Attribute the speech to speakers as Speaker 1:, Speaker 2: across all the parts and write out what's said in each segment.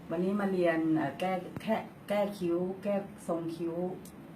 Speaker 1: วันนี้มาเรียนแก้คิ้ว แก้ทรงคิ้ว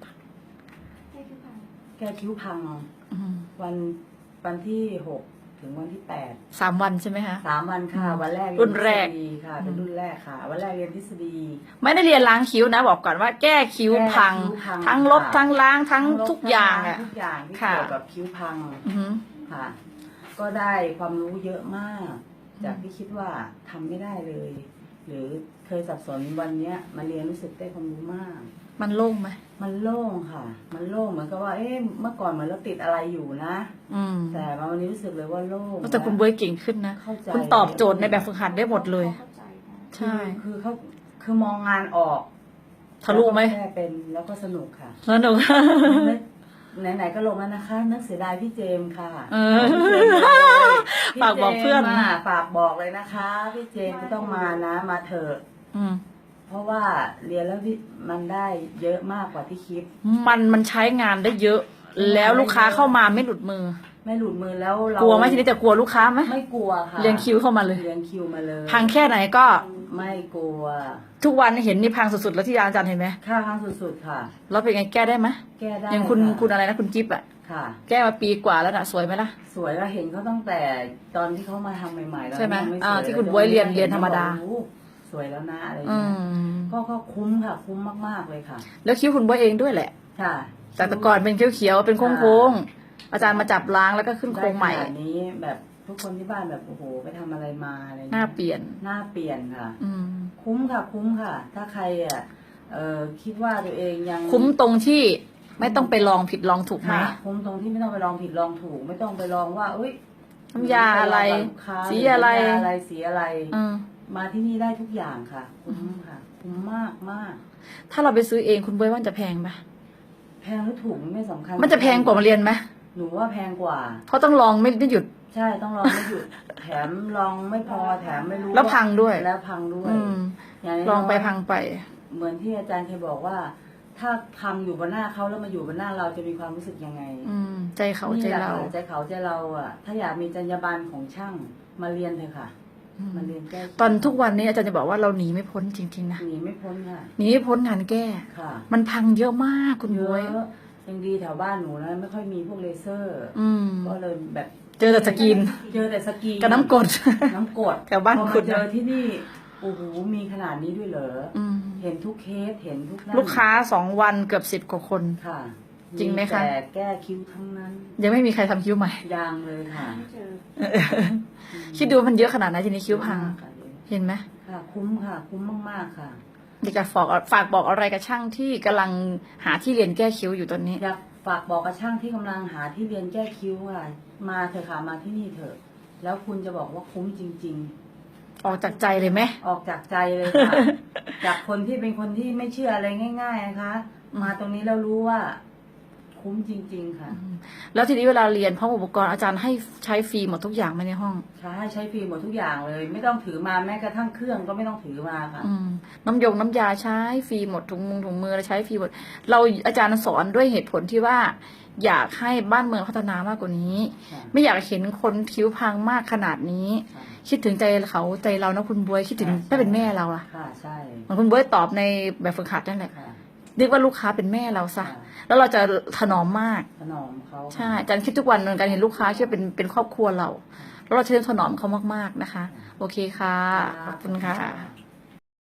Speaker 1: แก้คิ้วพังวันที่6 ถึงวันที่8
Speaker 2: 3 วันใช่ไหมคะ
Speaker 1: 3 วันค่ะ วันแรก
Speaker 2: รุ่นแรก
Speaker 1: ทฤษฎีค่ะเป็นรุ่นแรกค่ะ วันแรกเรียนทฤษฎี
Speaker 2: ไม่ได้เรียนล้างคิ้วนะบอกก่อนว่าแก้คิ้วพัง
Speaker 1: แก้คิ้วพัง
Speaker 2: ทั้งลบ
Speaker 1: ค่ะ
Speaker 2: ทั้งล้างทั้ง
Speaker 1: ลบ
Speaker 2: ทุกอย่าง
Speaker 1: ทั้
Speaker 2: อ่ะ
Speaker 1: ทุกอย่างที่
Speaker 2: ค่ะ
Speaker 1: เกี่ยวกับคิ้วพัง
Speaker 2: อือหือ
Speaker 1: ค่ะ ก็ได้ความรู้เยอะมาก จากที่คิดว่าทำไม่ได้เลย หรือเคยสับสนวันเนี้ยมาเรียนรู้สึกได้ความรู้มาก
Speaker 2: มันโล่งไหม
Speaker 1: มันโล่งค่ะ มันโล่งเหมือนกับว่า เมื่อก่อนเหมือนเราติดอะไรอยู่นะ แต่มาวันนี้รู้สึกเลยว่าโล่ง
Speaker 2: แต่คุณเบยเก่งขึ้นนะ
Speaker 1: เข้าใจ
Speaker 2: คุณตอบโจทย์ในแบบฝึกหัดได้หมดเลย ใช่
Speaker 1: คือมองงานออก
Speaker 2: ทะลุไหม
Speaker 1: แค่เป็นแล้วก็สนุกค่ะ
Speaker 2: สนุก
Speaker 1: ไหนๆก็ลงแล้วนะคะนึกเสียดายพี่เจมส์ค่ะ
Speaker 2: ฝากบอกเพื่อน
Speaker 1: พี่จมส์ฝากบอกเลยนะคะ พี่เจมส์จะต้องมานะมาเถอะ เพราะว่าเรียนแล้วมันได้เยอะมากกว่าที่คิด
Speaker 2: มันใช้งานได้เยอะ แล้วลูกค้าเข้ามาไม่หลุดมือ
Speaker 1: ไม่หลุดมือแล้วเรา
Speaker 2: กลัวไหมทีนี้จะกลัวลูกค้าไหม
Speaker 1: ไม่กลัวค่ะ
Speaker 2: เรียงคิวเข้ามาเลย
Speaker 1: เรียงคิวมาเลย
Speaker 2: พังแค่ไหนก็
Speaker 1: ไม่กลัว
Speaker 2: ทุกวันเห็นนี่พังสุดๆแล้วที่อาจารย์เห็นไหม
Speaker 1: ค่าครั้งสุดๆค่ะ
Speaker 2: แล้วเป็นไงแก้ได้ไหม
Speaker 1: แก้ได้
Speaker 2: อย่างคุณ
Speaker 1: ค่ะ
Speaker 2: คุณอะไรนะคุณจิ๊บอะ
Speaker 1: ค่ะ
Speaker 2: แก้มาปีกว่าแล้วนะสวยไหมล่ะ
Speaker 1: สวยเราเห็นเขาตั้งแต่ตอนที่เขามาทำใหม่ๆแล้ว
Speaker 2: ใช่ไหม
Speaker 1: ยังสวย
Speaker 2: ที่คุณบ๊วยเรียนธรรมดา
Speaker 1: โอ้โหสวยแล้วนะอะไร
Speaker 2: อื
Speaker 1: เงี้ย
Speaker 2: ม
Speaker 1: ก็คุ้มค่ะ คุ้มมากๆเลยค่ะ
Speaker 2: แล้วคิ้วคุณบ๊วยเองด้วยแหละ
Speaker 1: ค่ะ
Speaker 2: จากแต่ก่อนเป็นเขียวๆเป็นโค้งๆอาจารย์มาจับล้างแล้วก็ขึ้นโครงใหม่
Speaker 1: ได้ขนาดนี้แบบทุกคนที่บ้านแบบโอ้โหไปทำอะไรมาอะไร
Speaker 2: หน้า
Speaker 1: เงี้ย
Speaker 2: เปลี่ยน
Speaker 1: หน้าเปลี่ยนค่ะ
Speaker 2: อืม
Speaker 1: คุ้มค่ะ คุ้มค่ะ ถ้าใครคิดว่าตัวเองยัง
Speaker 2: คุ้มตรงที่ไม่ต้องไปลองผิดลองถูกไหม
Speaker 1: ค่ะคุ้มตรงที่ไม่ต้องไปลองผิดลองถูก ไม่ต้องไปลองว่าเอ้ย
Speaker 2: น้ำยาอะไร
Speaker 1: ปลงกับลูกค้า
Speaker 2: สีอะไร
Speaker 1: น้ำยาอะไรสีอะไร
Speaker 2: อืม
Speaker 1: มาที่นี่ได้ทุกอย่างค่ะ คุ้มค่ะ คุ้มมากมาก
Speaker 2: ถ้าเราไปซื้อเองคุณบ๊วยว่าจะแพงไหม
Speaker 1: แพงหรือถูกไม่สำคัญ
Speaker 2: มันจะแพงกว่ามาเรียนไหม
Speaker 1: หนูว่าแพงกว่า
Speaker 2: เพราะต้องลองไม่หยุด
Speaker 1: ใช่ต้องลองไม่หยุด แถมลองไม่พอแถมไม่รู้
Speaker 2: แล้วพังด้วย
Speaker 1: แล้วพังด้วย
Speaker 2: อืม
Speaker 1: ย่าน้ยๆ
Speaker 2: ลองไปพังไป
Speaker 1: เหมือนที่อาจารย์เคยบอกว่า ถ้าพังอยู่บนหน้าเขาแล้วมาอยู่บนหน้าเราจะมีความรู้สึกยังไง
Speaker 2: ใจเขาใจ
Speaker 1: นี่แหละ
Speaker 2: เรา
Speaker 1: ค่ะใจเขาใจเราอ่ะ ถ้าอยากมีจรรยาบรรณของช่างมาเรียนเถอะค่ะ มาเรียนแก้
Speaker 2: ตอนทุกวันนี้อาจารย์จะบอกว่าเราหนีไม่พ้นจริงๆนะ
Speaker 1: หนีไม่พ้นค่ะ
Speaker 2: หนีไม่พ้นงานแก้
Speaker 1: ค่ะ
Speaker 2: มันพังเยอะมากคุณ
Speaker 1: เย
Speaker 2: บ๊วย
Speaker 1: อะยังดีแถวบ้านหนูนะไม่ค่อยมีพวกเลเซอร์ ก็เลยแบบ
Speaker 2: เจอแต่สกิน
Speaker 1: เจอแต่สกี
Speaker 2: กับน้ำกรด
Speaker 1: น้ำกรด
Speaker 2: แถวบ้าน
Speaker 1: พอ
Speaker 2: คุ
Speaker 1: มา
Speaker 2: ณ
Speaker 1: เจอที่นี่โอ้โหมีขนาดนี้ด้วยเหรอ เห็นทุกเคสเห็นทุกนั่น
Speaker 2: ลูกค้า2 วันเกือบ10 กว่าคน
Speaker 1: ค่ะ
Speaker 2: จริงไหมคะ
Speaker 1: แต่แก้คิ้วทั้งนั้น
Speaker 2: ยังไม่มีใครทำคิ้วใหม่
Speaker 1: ยางเลยค่ะ
Speaker 2: คิดดูมันเยอะขนาดไหนทีนี้คิ้วพัง เห็นไหม
Speaker 1: ค่ะ คุ้มค่ะ คุ้มมากๆค่ะ
Speaker 2: อยากจะฝากบอกอะไรกับช่างที่กำลังหาที่เรียนแก้คิ้วอยู่ตอนนี้
Speaker 1: อยากฝากบอกกับช่างที่กำลังหาที่เรียนแก้คิ้วค่ะ มาเถอะค่ะมาที่นี่เถอะ แล้วคุณจะบอกว่าคุ้มจริง
Speaker 2: ออกจากใจเลยไหม
Speaker 1: ๆ ออกจากใจเลยค่ะ จากคนที่เป็นคนที่ไม่เชื่ออะไรง่าย ๆนะคะ มาตรงนี้แล้วรู้ว่า คุ้มจริง ๆ ค่ะ
Speaker 2: แล้วทีนี้เวลาเรียนพร้อมอุปกรณ์อาจารย์ให้ใช้ฟรีหมดทุกอย่างไหมในห้อง
Speaker 1: ใช้ฟรีหมดทุกอย่างเลย ไม่ต้องถือมาแม้กระทั่งเครื่องก็ไม่ต้องถือมาค่ะ
Speaker 2: น้ำยาใช้ฟรีหมดถุงมือใช้ฟรีหมดเราอาจารย์สอนด้วยเหตุผลที่ว่า อยากให้บ้านเมืองพัฒนามากกว่านี้
Speaker 1: ค่ะ
Speaker 2: ไม่อยากเห็นคนคิ้วพังมากขนาดนี้
Speaker 1: ค่ะ
Speaker 2: คิดถึงใจเขาใจเรานะคุณบ๊วยคิดถึงถ้าเป็นแม่เราอะ
Speaker 1: ค่ะใช่
Speaker 2: เหมือนคุณบ๊วยตอบในแบบฝึกหัดนั่นแหละ
Speaker 1: ค่ะ
Speaker 2: เรียกว่าลูกค้าเป็นแม่เราซะ
Speaker 1: ค่ะ
Speaker 2: แล้วเราจะถนอมมาก
Speaker 1: ถนอมเขา
Speaker 2: ใช่อาจารย์คิดทุกวันเหมือนกันเห็นลูกค้าคิดว่าเป็นครอบครัวเรา แล้วเราจะถนอมเขามากๆนะคะ โอเคค่ะ ขอบคุณค่ะ